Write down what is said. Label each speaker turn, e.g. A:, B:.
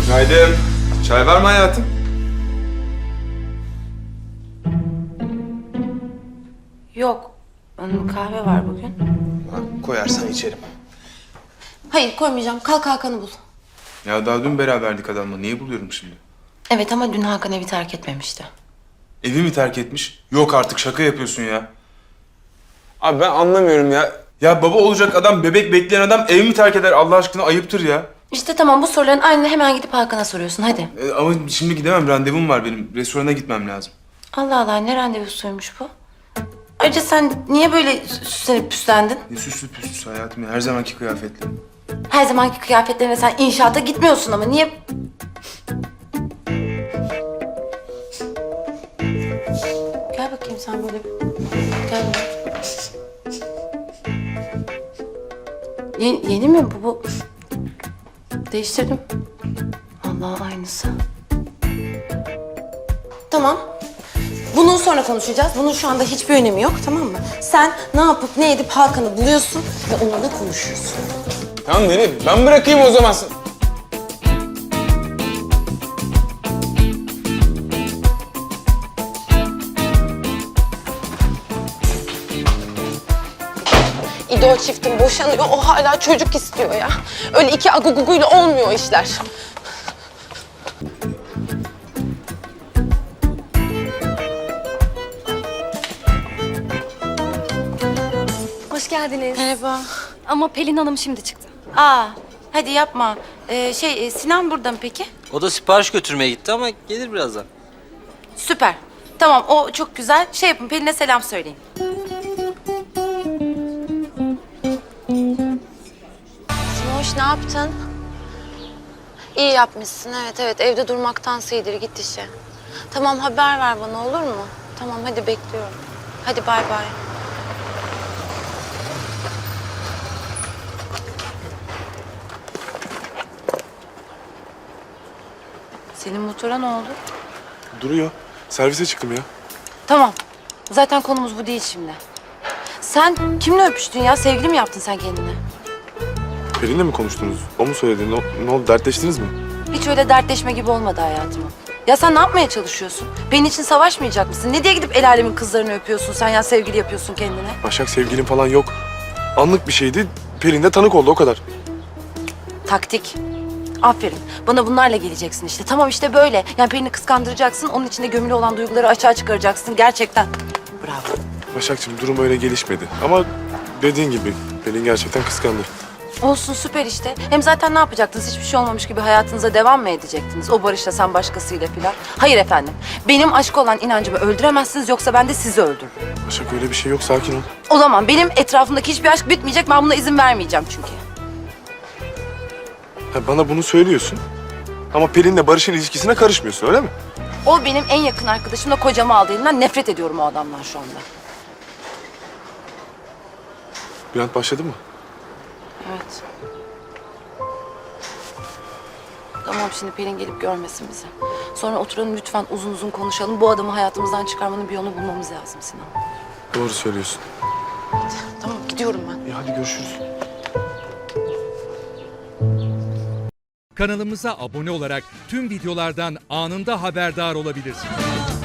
A: Günaydın. Çay var mı hayatım?
B: Yok. Kahve var bugün.
A: Ha, koyarsan içerim.
B: Hayır koymayacağım. Kalk Hakan'ı bul.
A: Ya daha dün beraberdik adamla. Niye buluyorum şimdi?
B: Evet ama dün Hakan evi terk etmemişti.
A: Evi mi terk etmiş? Yok artık, şaka yapıyorsun ya. Abi ben anlamıyorum ya. Ya baba olacak adam, bebek bekleyen adam ev mi terk eder? Allah aşkına ayıptır ya.
B: İşte tamam, bu soruların aynını hemen gidip Hakan'a soruyorsun, hadi.
A: Ama şimdi gidemem, randevum var benim. Restorana gitmem lazım.
B: Allah Allah, ne randevusuymuş bu? Ayrıca sen niye böyle süslenip püslendin?
A: Ne süslü püslüsü hayatım ya, her zamanki kıyafetle.
B: Her zamanki kıyafetlerine sen inşaata gitmiyorsun ama niye... Gel bakayım sen böyle. Gel buraya. Yeni mi bu? Değiştirdim. Allah, aynısı. Tamam. Bunu sonra konuşacağız. Bunun şu anda hiçbir önemi yok, tamam mı? Sen ne yapıp ne edip Hakan'ı buluyorsun ve onunla konuşuyorsun.
A: Tamam Neri, ben bırakayım o zaman.
B: İdo çiftin boşanıyor, o hala çocuk istiyor ya. Öyle iki aguguguyla olmuyor işler.
C: Hoş geldiniz.
B: Merhaba.
C: Ama Pelin Hanım şimdi çıktı.
B: Aa, hadi yapma. Sinan burada mı peki?
D: O da sipariş götürmeye gitti ama gelir birazdan.
B: Süper. Tamam, o çok güzel. Şey yapın, Pelin'e selam söyleyin. Simoş, ne yaptın? İyi yapmışsın, evet. Evde durmaktansa iyidir, git işe. Tamam, haber ver bana, olur mu? Tamam, hadi bekliyorum. Hadi bay bay. Senin motora ne oldu?
E: Duruyor. Servise çıktım ya.
B: Tamam. Zaten konumuz bu değil şimdi. Sen kimle öpüştün ya? Sevgili mi yaptın sen kendine?
E: Pelin'le mi konuştunuz? O mu söyledi? Ne oldu? Dertleştiniz mi?
B: Hiç öyle dertleşme gibi olmadı hayatım. Ya sen ne yapmaya çalışıyorsun? Benim için savaşmayacak mısın? Ne diye gidip el alemin kızlarını öpüyorsun sen ya, sevgili yapıyorsun kendine?
E: Başak, sevgilim falan yok. Anlık bir şeydi. Pelin de tanık oldu, o kadar.
B: Taktik. Aferin. Bana bunlarla geleceksin işte. Tamam, işte böyle. Yani Pelin'i kıskandıracaksın. Onun içinde gömülü olan duyguları açığa çıkaracaksın. Gerçekten. Bravo.
E: Başakçığım, durum öyle gelişmedi. Ama dediğin gibi Pelin gerçekten kıskandı.
B: Olsun, süper işte. Hem zaten ne yapacaktınız? Hiçbir şey olmamış gibi hayatınıza devam mı edecektiniz? O Barış'la, sen başkasıyla falan. Hayır efendim. Benim aşk olan inancımı öldüremezsiniz, yoksa ben de sizi öldürürüm.
E: Başak, öyle bir şey yok, sakin ol.
B: O zaman benim etrafımdaki hiçbir aşk bitmeyecek. Ben buna izin vermeyeceğim çünkü.
E: Ha, bana bunu söylüyorsun. Ama Pelin'le Barış'ın ilişkisine karışmıyorsun, öyle mi?
B: O benim en yakın arkadaşım da kocamı aldı elinden. Nefret ediyorum o adamdan şu anda.
E: Bülent başladı mı?
B: Evet. Tamam, şimdi Pelin gelip görmesin bizi. Sonra oturalım lütfen, uzun uzun konuşalım. Bu adamı hayatımızdan çıkarmanın bir yolunu bulmamız lazım Sinan.
E: Doğru söylüyorsun.
B: Tamam, gidiyorum ben.
E: İyi, hadi görüşürüz.
F: Kanalımıza abone olarak tüm videolardan anında haberdar olabilirsiniz.